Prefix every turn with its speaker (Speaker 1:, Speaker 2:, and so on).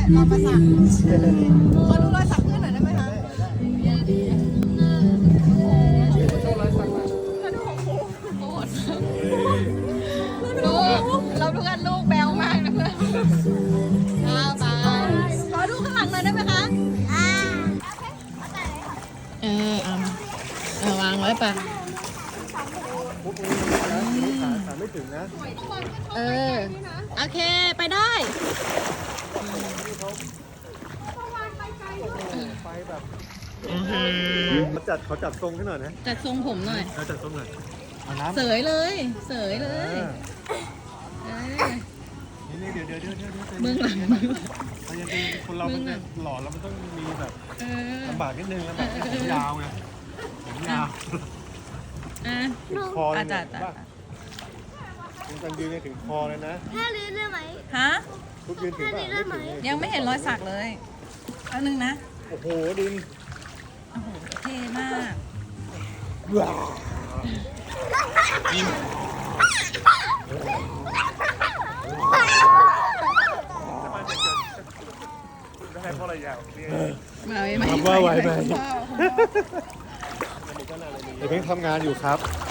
Speaker 1: เรามาสักขอดูรอยสักเพื่อนหน่อยได้ไหมคะลูกเราดูกันลูกแบวมากนะเพื่อนไปขอดูข้างหลังหน่อยได้ไหมคะวางไว้ปะ
Speaker 2: ขาไม่ถึงนะ
Speaker 1: โอเคไปได้
Speaker 2: ไปแบบเขาจัดทรงให้หน่อยนะ
Speaker 1: จัดทรงผมหน่อย
Speaker 2: จัดทรงหน่อย
Speaker 1: เสยเลยเสยเลย
Speaker 2: นี่เดี๋ยว
Speaker 1: เบื้องหลัง
Speaker 2: มันยังเป็นคนเรามันหล่อแล้วมันต้องมีแบบลำบากนิดนึงลำบากผมยาวไงผมยาวถึงคอเลยนะยืนถึงคอเลยนะ
Speaker 3: แค่ลื้อได้ไหม
Speaker 1: ฮะ
Speaker 2: ทุกยืนถึงป่ะ
Speaker 1: ยังไม่เห็นรอยสักเลยอันนึงนะ
Speaker 2: โอ้โหดิน
Speaker 1: โอ้โหเท่มาก
Speaker 2: ได้เพราะอะไรยาว
Speaker 1: ไม่
Speaker 2: ว่าไหวไหมเดี๋ยวเพิ่งทำงานอยู่ครับ